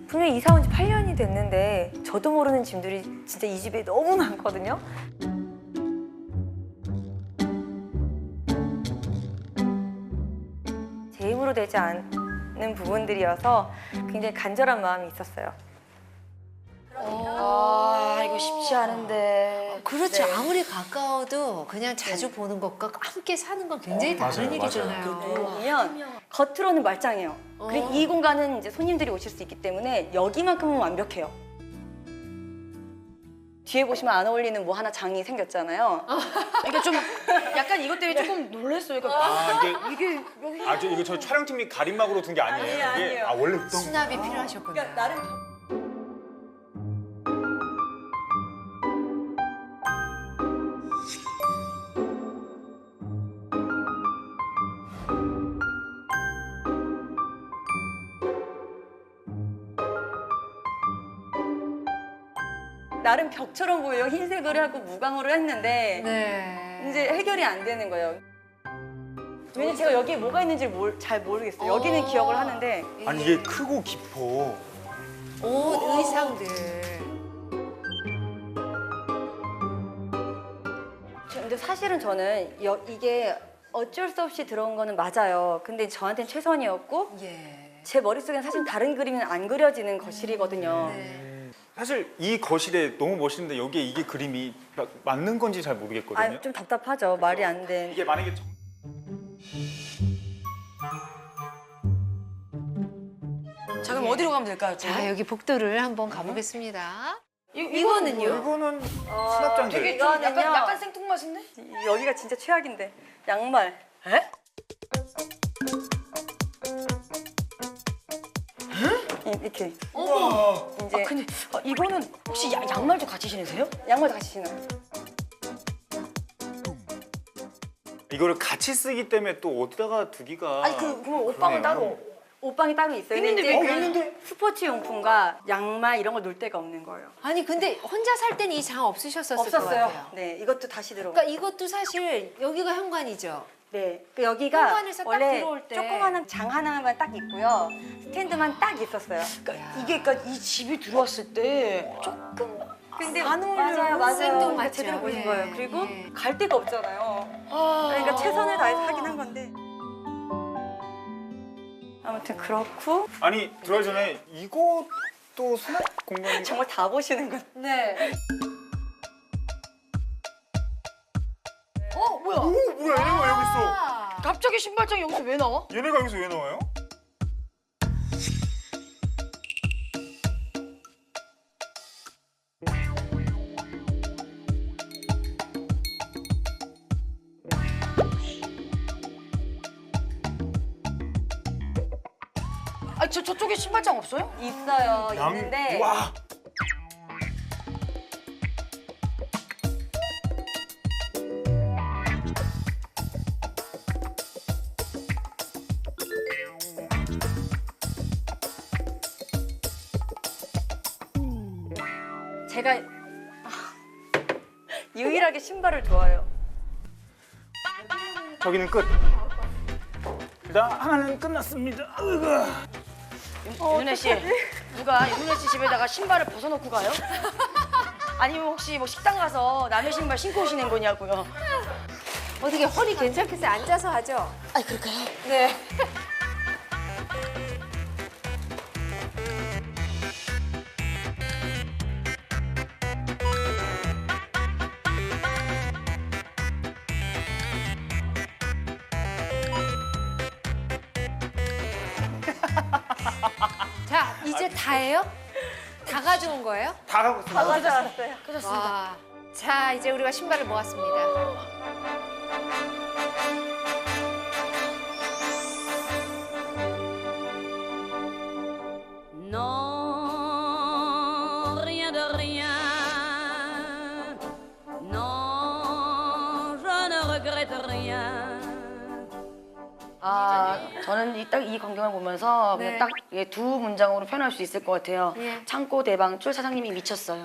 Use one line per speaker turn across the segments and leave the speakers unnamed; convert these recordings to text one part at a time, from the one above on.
분명히 이사 온 지 8년이 됐는데 저도 모르는 짐들이 진짜 이 집에 너무 많거든요. 제 힘으로 되지 않는 부분들이어서 굉장히 간절한 마음이 있었어요.
아, 이거 쉽지 않은데.
그렇죠.
네.
아무리 가까워도 그냥 자주 보는 것과 함께 사는 건 굉장히 다른
맞아요,
일이잖아요.
보면 겉으로는 말짱해요. 그리고 이 공간은 이제 손님들이 오실 수 있기 때문에 여기만큼은 완벽해요. 뒤에 보시면 안 어울리는 뭐 하나 장이 생겼잖아요.
그러니까 좀 약간 이것 때문에 조금 놀랐어요. 그러니까 이게 여기
이거 저 촬영팀이 가림막으로 둔 게 아니에요.
아니에요.
이게 원래 있던
수납이 필요하셨군요.
나름 나름 벽처럼 보여요. 흰색을 하고 무광으로 했는데
네.
이제 해결이 안 되는 거예요. 왜냐면 제가 여기에 뭐가 있는지 잘 모르겠어요. 여기는 기억을 하는데
아니 이게 크고 깊어.
옷, 의상들.
근데 사실은 저는 이게 어쩔 수 없이 들어온 거는 맞아요. 근데 저한테는 최선이었고
예.
제 머릿속엔 사실 다른 그림은 안 그려지는 거실이거든요.
네.
사실 이 거실에 너무 멋있는데 여기에 이게 그림이 맞는 건지 잘 모르겠거든요.
아, 좀 답답하죠. 말이 안 돼.
이게 만약에
자, 그럼 어디로 가면 될까요? 또?
자, 여기 복도를 한번 가보겠습니다.
이거는요?
이거는 수납장들.
되게 좀
이거는요.
약간 생뚱맞은데?
여기가 진짜 최악인데. 양말.
에?
이렇게.
우와.
이제
근데 이거는 혹시 양말도 같이 신으세요?
양말 같이 신어요.
이거를 같이 쓰기 때문에 또 어디다가 두기가.
아니 그럼 옷방은
그러네요.
따로.
옷방이 따로 있어요.
있는데
근데
왜
이제
있는데?
스포츠 용품과 양말 이런 걸 놓을 데가 없는 거예요.
아니, 근데 혼자 살 때는 이 장 없으셨었을 것
없었어요.
같아요.
네, 이것도 다시 들어온
그러니까 이것도 사실 여기가 현관이죠.
네, 그 여기가
현관에서 딱
원래
들어올 때.
조그마한 장 하나만 딱 있고요. 스탠드만 딱 있었어요.
그러니까 이게 그러니까 이 집이 들어왔을 때 조금
근데
안 어울려요.
맞아요.
생뚱맞죠.
제대로 보신
예,
거예요. 그리고
예.
갈 데가 없잖아요. 그러니까 최선을 다해서 하긴 한 건데. 아무튼 그렇고
아니 들어가기 전에 이것도 수납 공간이.
정말 다 보시는 건.
네.
뭐야?
오 뭐야 얘네가 여기 있어.
갑자기 신발장이 여기서 왜 나와?
얘네가 여기서 왜 나와요?
아니 저쪽에 신발장 없어요?
있어요. 있는데
와.
제가 유일하게 신발을 좋아해요.
저기는 끝. 일단 하나는 끝났습니다.
윤혜 씨, 누가 윤혜 씨 집에다가 신발을 벗어놓고 가요? 아니면 혹시 뭐 식당 가서 남의 신발 신고 오시는 거냐고요?
어떻게 허리 괜찮겠어요? 앉아서 하죠?
아, 그럴까요?
네. 자, 이제 다예요? 다 가져온 거예요?
다 가고 있습니다.
가져왔어요.
와. 자, 이제 우리가 신발을 모았습니다.
Non, rien de rien. Non, je ne regrette rien.
아, 저는 딱 이 광경을 보면서
네.
그냥 딱 두 문장으로 표현할 수 있을 것 같아요.
예.
창고 대방출 사장님이 미쳤어요.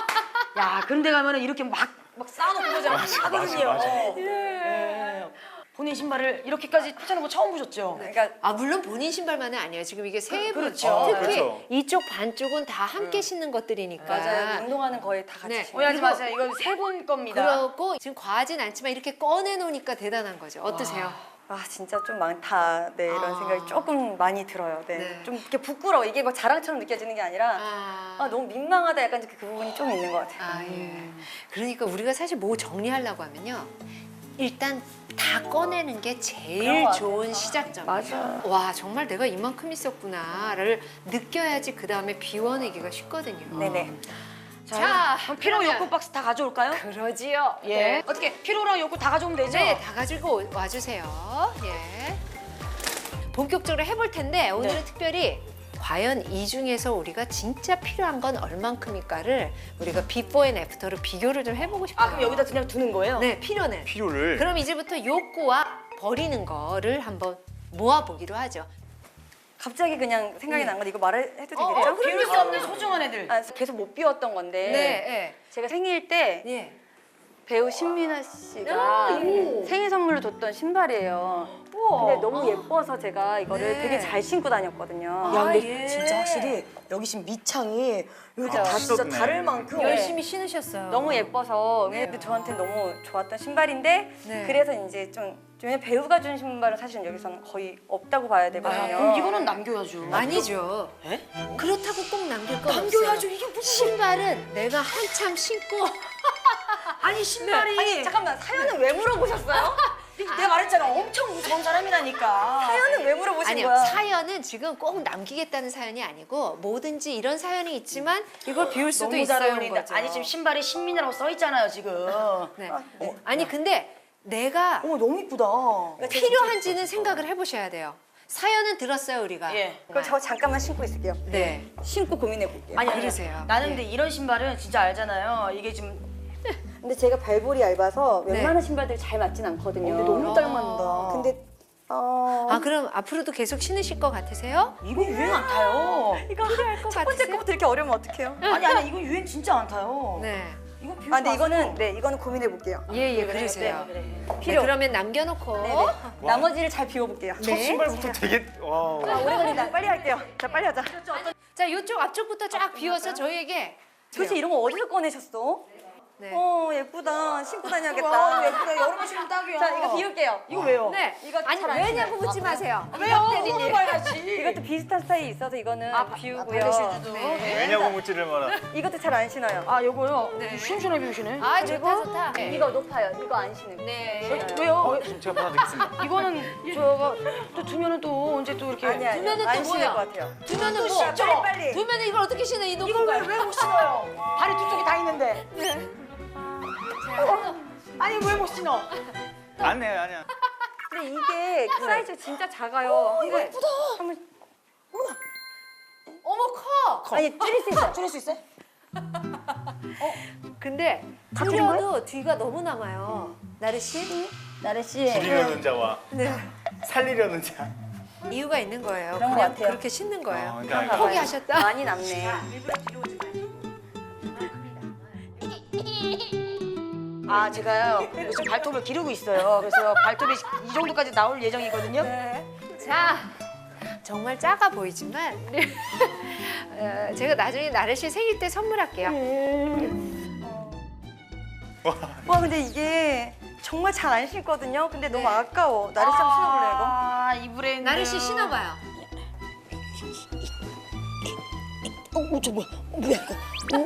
야, 그런 데 가면은 이렇게 막 쌓아놓고 그러잖아요. 하거든요.
맞아.
예. 본인 신발을 이렇게까지 펼쳐놓은 거 처음 보셨죠?
그러니까
아 물론 본인 신발만은 아니에요. 지금 이게 세 분,
그렇죠.
특히
그렇죠.
이쪽 반쪽은 다 함께 신는 것들이니까.
맞아요. 운동화는 거의 다 같이
네.
신고.
오해하지 마세요. 이건 세 분 겁니다.
그렇고 지금 과하진 않지만 이렇게 꺼내 놓으니까 대단한 거죠. 어떠세요?
아 진짜 좀 많다. 네 이런
아.
생각이 조금 많이 들어요. 네.
네.
좀 이렇게 부끄러워. 이게 뭐 자랑처럼 느껴지는 게 아니라 아 너무 민망하다. 약간 그 부분이 좀 있는 것 같아요.
아, 예. 그러니까 우리가 사실 뭐 정리하려고 하면요. 일단 다 꺼내는 게 제일 좋은 시작점이에요.
맞아.
와, 정말 내가 이만큼 있었구나를 느껴야지 그 다음에 비워내기가 쉽거든요.
네네.
자, 그럼 피로
그러면-
욕구 박스 다 가져올까요?
그러지요.
예.
네.
어떻게 피로랑 욕구 다 가져오면 되죠?
네, 다 가지고 와주세요. 예. 본격적으로 해볼 텐데 오늘은
네.
특별히 과연 이 중에서 우리가 진짜 필요한 건 얼만큼일까를 우리가 비포 앤 애프터로 비교를 좀 해보고 싶어요.
아, 그럼 여기다 그냥 두는 거예요?
네, 필요는.
필요를
그럼 이제부터 욕구와 버리는 거를 한번 모아보기로 하죠.
갑자기 그냥 생각이 난 건데 이거 말해도 되겠죠?
비울 수 없는 소중한 애들.
아, 계속 못 비웠던 건데
네,
제가 생일 때
예.
배우 신민아 씨가 생일 선물로 줬던 신발이에요. 근데 너무 예뻐서 제가 이거를
네.
되게 잘 신고 다녔거든요.
야, 근데
예.
진짜 확실히 여기 지금 밑창이 이렇게
그죠?
다 진짜
씻었네.
다를 만큼
열심히 신으셨어요.
너무 예뻐서 근데 저한테 너무 좋았던 신발인데
네.
그래서 이제 좀 배우가 준 신발은 사실은 여기서는 거의 없다고 봐야 되거든요.
그럼 이거는 남겨야죠.
아니죠.
에?
그렇다고 꼭 남길 건
남겨야죠.
없어요.
이게 무슨
신발은 내가 한참 신고
아니 신발이
아니 잠깐만 사연은 왜 물어보셨어요?
내가 말했잖아. 엄청 무서운 사람이라니까.
사연은 왜 물어보신
아니요,
거야?
사연은 지금 꼭 남기겠다는 사연이 아니고 뭐든지 이런 사연이 있지만 이걸 비울 수도
너무 잘
있어요.
어울린다.
거죠.
아니 지금 신발에 신민이라고 써 있잖아요 지금.
네. 아니 근데 내가
어머 너무 이쁘다.
필요한지는 생각을 해보셔야 돼요. 사연은 들었어요 우리가.
예.
그럼 저 잠깐만 신고 있을게요.
네.
신고 고민해 볼게요.
아니
그러세요.
나는
네.
근데 이런 신발은 진짜 알잖아요. 이게 지금
근데 제가 발볼이 얇아서
네.
웬만한 신발들이 잘 맞진 않거든요.
근데 너무 잘 맞는다.
근데
아 그럼 앞으로도 계속 신으실 것 같으세요?
이거 유행 안 타요.
이거
필요할 것
첫 번째
같으세요?
거부터 이렇게 어려우면 어떡해요?
아니 이거 유행 진짜 안 타요.
네.
이거 비우지
아 근데
마세요.
이거는 고민해 볼게요.
예예 그러세요.
그래.
네,
필요.
그러면 남겨놓고.
네네. 나머지를 잘 비워볼게요.
첫 신발부터 되게 와.
아, 오래 걸린다. 빨리 할게요. 자 빨리 하자.
자 이쪽 앞쪽부터 쫙 비워서 저희에게.
도대체 이런 거 어디서 꺼내셨어?
네.
예쁘다. 신고
와
다녀야겠다.
예쁘다. 여름에 신으면 딱이야.
자 이거 비울게요.
이거 왜요?
네.
이거
아니
잘안
왜냐고 묻지 마세요.
왜요? 그거 봐야지.
이것도 비슷한 스타일이 있어서 이거는 비우고요.
반대시주도.
왜냐고 묻지를 마라.
이것도 잘 안 신어요.
아 요거요?
네.
시원시원하게 비우시네.
아 좋다 좋다. 네.
이거 높아요. 이거 안 신는 거.
네.
왜요?
제가 받아드리겠습니다.
이거는 저거 또 두면은 또 언제 또 이렇게
아니야.
두면은
안
또
신을
뭐야?
것 같아요.
두면은 뭐?
신죠?
빨리.
두면은 이걸 어떻게 신어 이 높은
이걸
걸?
왜 못 신어요? 발이 두 쪽이 다 있는데. 아니 왜 못 신어?
아니야 아니야.
근데 이게 사이즈가 진짜 작아요.
이거 예쁘다.
한번
어머 커.
아니 줄일 수 있어요.
줄일 수 있어요?
근데 줄여도 뒤가 너무 남아요. 나르 씨
나래 씨.
줄이려는 자와
네.
살리려는 자.
이유가 있는 거예요.
그런 것
그냥
같아요.
그렇게 신는 거예요.
그러니까
포기하셨다.
많이 남네.
아 제가요 요즘 발톱을 기르고 있어요. 그래서 발톱이 이 정도까지 나올 예정이거든요.
자, 정말 작아 보이지만 제가 나중에 나르 씨 생일 때 선물할게요.
와 근데 이게 정말 잘 안 신거든요. 근데 너무 아까워. 나래 씨 한번 신어볼래요 이거?
아이 브랜드.
나르 씨 신어봐요.
저 뭐야? 뭐야 이거?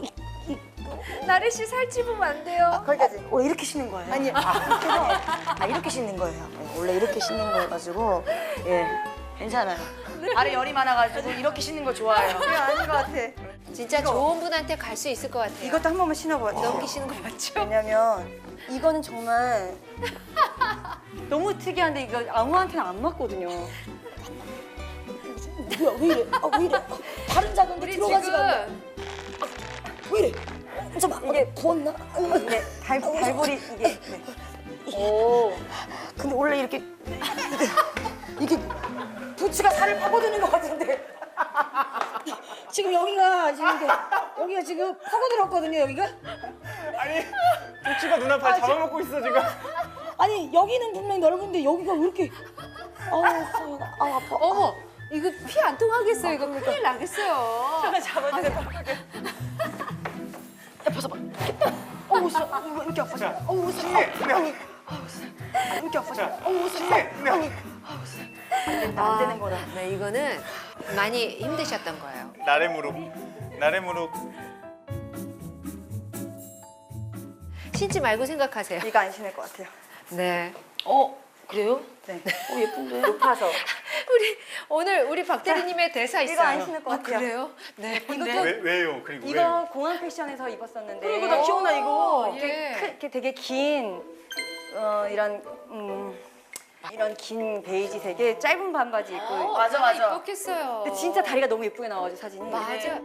나르 씨 살찌우면 안 돼요.
거기까지.
원래 이렇게 신는 거예요?
아니
이렇게 신는 거예요. 원래 이렇게 신는 거여가지고 예 괜찮아요. 발에 열이 많아가지고 이렇게 신는 거 좋아해요.
이거 아닌 것 같아.
진짜 좋은 분한테 갈 수 있을 것 같아요.
이것도 한 번만 신어봐요.
넘기시는 거 맞죠?
왜냐면 이거는 정말 너무 특이한데 이거 아무한테나 안 맞거든요.
뭐야 왜 이래? 왜 이래? 발은 작은데
우리
들어가지가 않네.
지금
왜 이래? 잠깐
이게
부었나?
네, 발볼이 이게 네.
근데 원래 이렇게 부츠가 살을 파고드는 것 같은데 지금 여기가 지금 파고들었거든요 여기가.
아니 부츠가 누나 발 잡아먹고 있어 지금.
아니 여기는 분명히 넓은데 여기가 왜 이렇게 아우 서연아 아 아파.
어머, 이거 피 안 통하겠어요. 이거 큰일 나겠어요.
잡아주세요. 야 벗어봐. 어우 서 왜 이렇게 아파지? 어우 서 아니 왜 이렇게 아파지? 어우 서 아니 안 되는 거다.
네, 이거는 많이 힘드셨던 거예요.
나래 무릎. 나래 무릎.
신지 말고 생각하세요.
이거 안 신을 것 같아요.
네.
그래요?
네.
예쁜데.
높아서.
오늘 우리 박 대리님의 대사 있어요.
이거 안 신을 것 같아요.
그래요? 네.
왜요? 그리고
이거
왜요?
공항 패션에서 입었었는데.
그리고 나 기억나 이거.
예.
이렇게 되게 긴 이런 이런 긴 베이지색의 짧은 반바지 입고.
맞아, 맞아.
입었겠어요.
근데 진짜 다리가 너무 예쁘게 나와가지고 사진이.
맞아.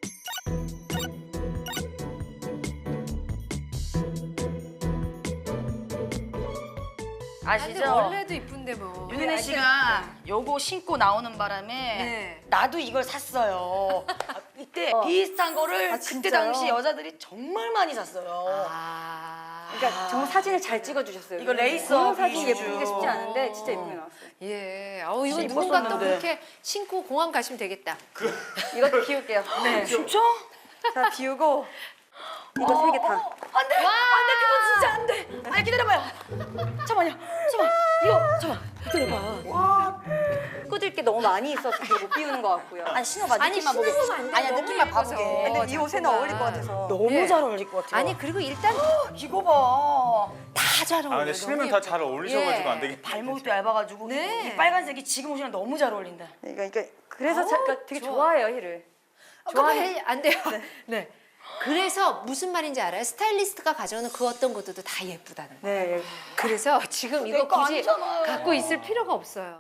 근데
아시죠?
원래도 이쁜데 뭐.
윤은혜 씨가 요거 신고 나오는 바람에
네.
나도 이걸 샀어요. 이때 비슷한 거를 그때
진짜요?
당시 여자들이 정말 많이 샀어요.
그러니까 정말 사진을 잘 찍어주셨어요.
이거 레이스
공항 사진
비주얼.
예쁘기가 쉽지 않은데 진짜 예쁘게 나왔어요.
예. 이거
진짜
누군가 또
이뻤었는데.
그렇게 신고 공항 가시면 되겠다.
이것도 비울게요. 네.
진짜?
자 비우고 이거 세 개 다.
안 돼! 안 돼! 그건 진짜 안 돼! 아니 기다려봐요. 잠깐만요. 잠깐만. 이거 잠깐만. 기다려봐.
꾸들 게 너무 많이 있어서 못 비우는 것 같고요.
아니 신어봐.
아니,
느낌만 보게.
신으면 안 돼.
아니야
너무
느낌만
예뻐서.
봐보게.
근데 이 옷에는
잠깐만.
어울릴 것 같아서.
너무
예.
잘 어울릴 것 같아요.
아니 그리고 일단
이거 봐.
다 잘 어울려요.
근데 신으면 다 잘 어울리셔가지고 안 되겠다.
발목도 얇아가지고
네.
이 빨간색이 지금 옷이랑 너무 잘 어울린다.
그러니까 그래서 그러니까 되게
좋아.
좋아해요 힐을.
좋아해 안 돼요. 네. 그래서 무슨 말인지 알아요? 스타일리스트가 가져오는 그 어떤 것들도 다 예쁘다는 거.
네.
그래서 지금 이거
거
굳이
아니잖아요.
갖고 있을 필요가 없어요.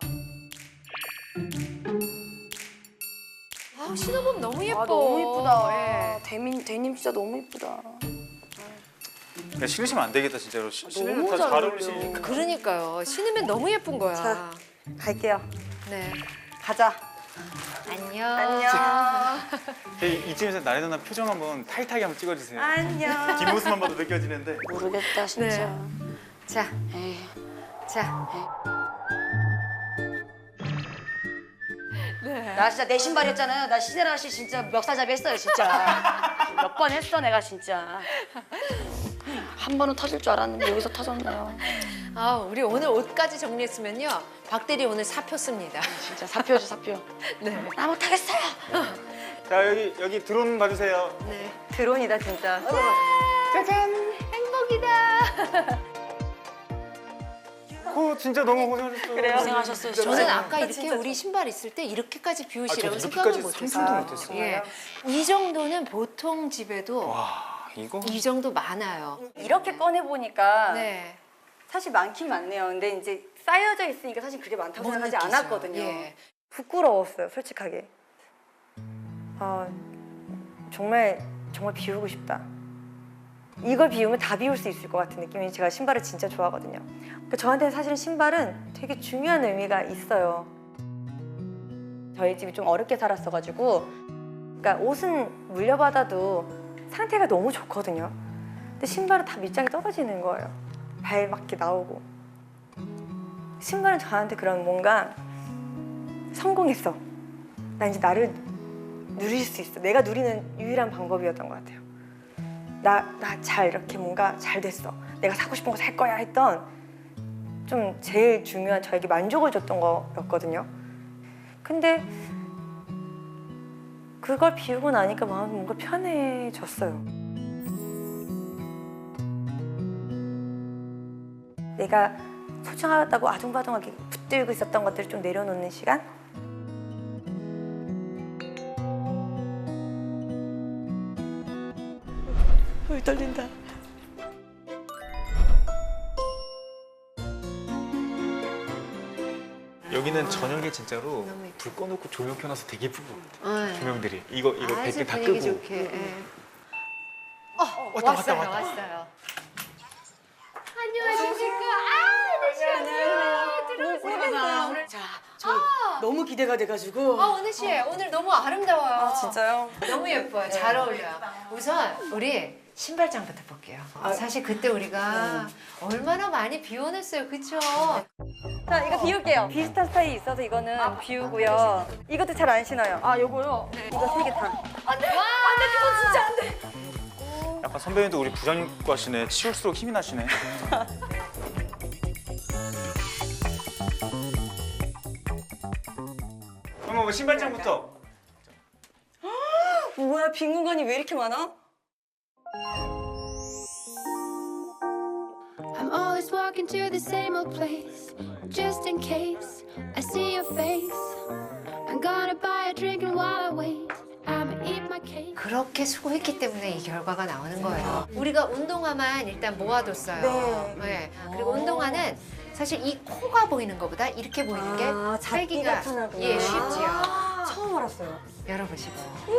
신어보면 너무 예뻐.
너무 이쁘다.
예.
데님 진짜 너무 이쁘다.
그냥 신으시면 안 되겠다 진짜로. 신으면
너무
다
잘
잘
어울려.
어울리시니까.
그러니까요. 신으면 너무 예쁜 거야.
자. 갈게요.
네.
가자.
안녕.
안녕.
이쯤에서 나래 누나 표정 한번 타이트하게 한번 찍어주세요.
안녕.
뒷모습만 봐도 느껴지는데.
모르겠다 진짜.
자,
에이.
자.
나 진짜 내 신발이었잖아요. 나 시세라 씨 진짜 멱살잡이 했어요 진짜. 몇 번 했어 내가 진짜. 한 번은 터질 줄 알았는데 여기서 터졌네요.
우리 오늘 옷까지 정리했으면요. 박대리 오늘 사표 씁니다.
진짜 사표죠 사표.
네.
나 못하겠어요.
자 여기 드론 봐주세요.
네.
드론이다 진짜.
짜잔. 행복이다.
진짜 너무 고생하셨어요.
고생하셨어요. 진짜.
저는 아까 이렇게 우리 신발 있을 때 이렇게까지 비우시라고
저도
생각을
이렇게까지
못했어요.
상상도 못했어요.
예. 이 정도는 보통 집에도
와 이거.
이 정도 많아요.
이렇게 꺼내 보니까
네.
사실 많긴 많네요. 근데 이제 쌓여져 있으니까 사실 그게 많다고
못
생각하지
느끼죠.
않았거든요.
예.
부끄러웠어요, 솔직하게. 정말 비우고 싶다. 이걸 비우면 다 비울 수 있을 것 같은 느낌이. 제가 신발을 진짜 좋아하거든요. 그러니까 저한테는 사실은 신발은 되게 중요한 의미가 있어요. 저희 집이 좀 어렵게 살았어가지고, 그러니까 옷은 물려받아도 상태가 너무 좋거든요. 근데 신발은 다 밑장이 떨어지는 거예요. 발 막 이렇게 나오고. 신발은 저한테 그런 뭔가 성공했어. 나 이제 나를 누릴 수 있어. 내가 누리는 유일한 방법이었던 것 같아요. 나 잘 이렇게 뭔가 잘 됐어. 내가 사고 싶은 거 살 거야 했던 좀 제일 중요한 저에게 만족을 줬던 거였거든요. 근데 그걸 비우고 나니까 마음이 뭔가 편해졌어요. 내가 소중하다고 아둥바둥하게 붙들고 있었던 것들을 좀 내려놓는 시간? 떨린다.
여기는 저녁에 진짜로 불 꺼놓고 조명 켜놔서 되게 예쁜 것 같아요.
네.
조명들이 이거
아주
100개 다
분위기
끄고.
좋게. 예.
왔다.
왔어요. 안녕하십니까. 들어오세요.
자, 저 너무 기대가 돼가지고.
은혜 씨 오늘 너무 아름다워요.
진짜요?
너무 예뻐요. 잘 어울려요. 우선 우리 신발장부터 볼게요. 사실 그때 우리가 얼마나 많이 비워냈어요, 그쵸?
자, 이거 비울게요. 비슷한 스타일이 있어서 이거는 비우고요. 이것도 잘 안 신어요.
아 요거요?
이거 3개 다.
약간 선배님도 우리 부장님과시네. 치울수록 힘이 나시네. 그럼 뭐 신발장부터.
뭐야, 빈 공간이 왜 이렇게 많아?
I'm always walking to the same old place, just in case I see your face. I'm gonna buy a drink and while I wait, I'ma eat my cake.
그렇게 수고했기 때문에 이 결과가 나오는 거예요. 우리가 운동화만 일단 모아뒀어요. 네. 그리고 운동화는 사실 이 코가 보이는 것보다 이렇게 보이는 게
잡기가
살기가
편하구나.
예, 쉽지요.
처음 알았어요.
열어보시고.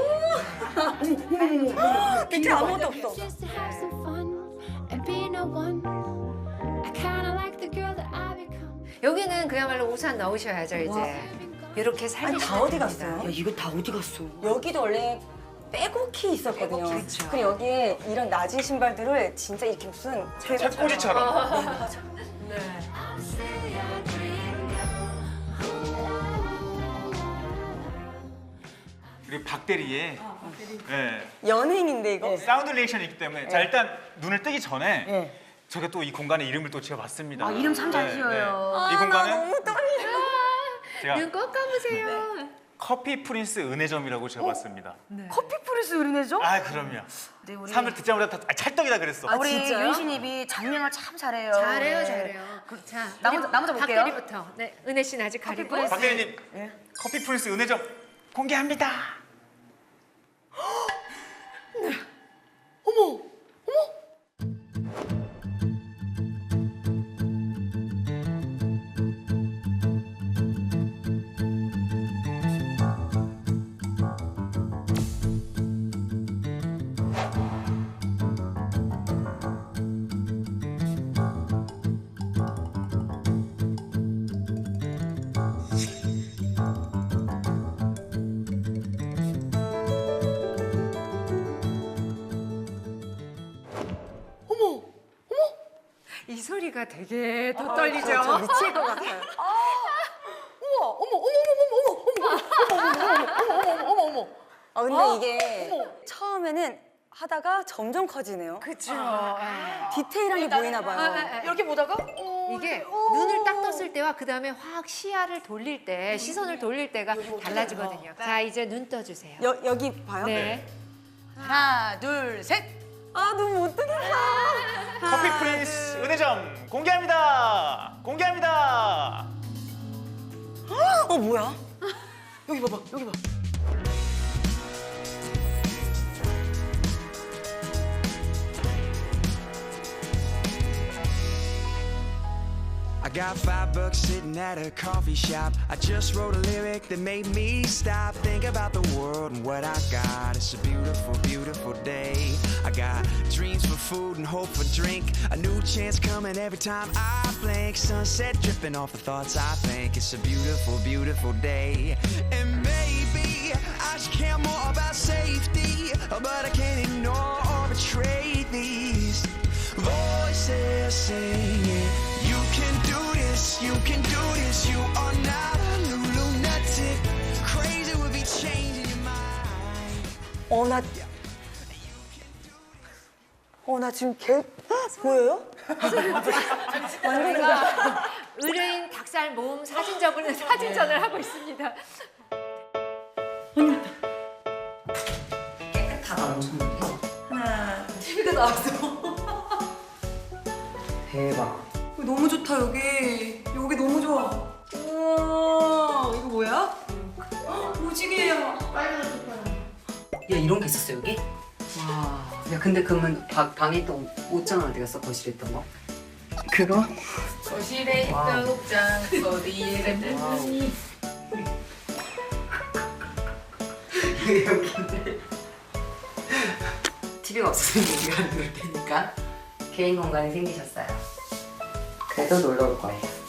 밑에 아무것도 없어.
Just to have some fun and be no one. I kinda like the girl that I become.
여기는 그야말로 우산 넣으셔야죠, 이제. 이렇게 살리시면
다 어디
됩니다.
갔어요?
이거 다 어디 갔어?
여기도 원래 빼곡히 있었거든요.
그렇죠.
그리고 여기에 이런 낮은 신발들을 진짜 이렇게 무슨
책꽂이처럼. 그리고 박대리의 네.
연예인인데 이거.
사운드 리액션이 있기 때문에 자 일단 눈을 뜨기 전에
네.
제가 또 이 공간의 이름을 또 지어봤습니다.
아 이름 참 잘 지어요.
이 공간은
너무 떨려.
제가
눈 꼭 감으세요.
커피 프린스 은혜점이라고 지어봤습니다.
커피 프레스 은혜죠?
아 그럼요.
네, 우리
사람들 듣자마자 다 찰떡이다 그랬어.
우리
진짜요?
윤신입이 장명을 참 잘해요.
잘해요,
네.
잘해요. 자,
나 먼저 볼게요.
박대리부터. 네, 은혜 씨는 아직 가리고.
프린스.
박대리님 커피 프린스 은혜점 공개합니다.
이 소리가 되게 더 떨리죠?
미칠 것 같아요. 아 근데 이게 처음에는 하다가 점점 커지네요.
그쵸.
디테일한 게 보이나 봐요.
이렇게 보다가
이게 눈을 딱 떴을 때와 그 다음에 확 시야를 돌릴 때, 시선을 돌릴 때가 달라지거든요. 자, 이제 눈 떠주세요.
여기 봐요?
네.
하나 둘 셋.
아 너무 못 뜨겠다.
커피 프린스 은혜점 공개합니다. 공개합니다.
어 뭐야?
여기 봐봐 여기 봐.
I got $5 sitting at a coffee shop. I just wrote a lyric that made me stop, think about the world and what I got. It's a beautiful, beautiful day. I got dreams for food and hope for drink. A new chance coming every time I blink. Sunset dripping off the thoughts I think. It's a beautiful, beautiful day. And maybe I should care more about safety, but I can't ignore or betray these voices singing. You can do this, you can do this. You are not a lunatic. Crazy would be changing your mind.
나 지금 보여요?
저희가 의뢰인 닭살 모음 사진전을 하고 있습니다.
깨끗하다 엄청.
TV가 나왔어.
대박.
너무 좋다 여기. 여기 너무 좋아. 우와 이거 뭐야? 무지개야.
야 이런 게 있었어 여기? 와. 야 근데 그러면 방에 있던 옷장은 어디 갔어? 거실에 있던 거? 그거?
거실에 있던 옷장 어디에 갔는지.
여기인데. TV가 없어서 여기가 안 누를 테니까 개인 공간이 생기셨어요. 그래도 놀러 올 거예요.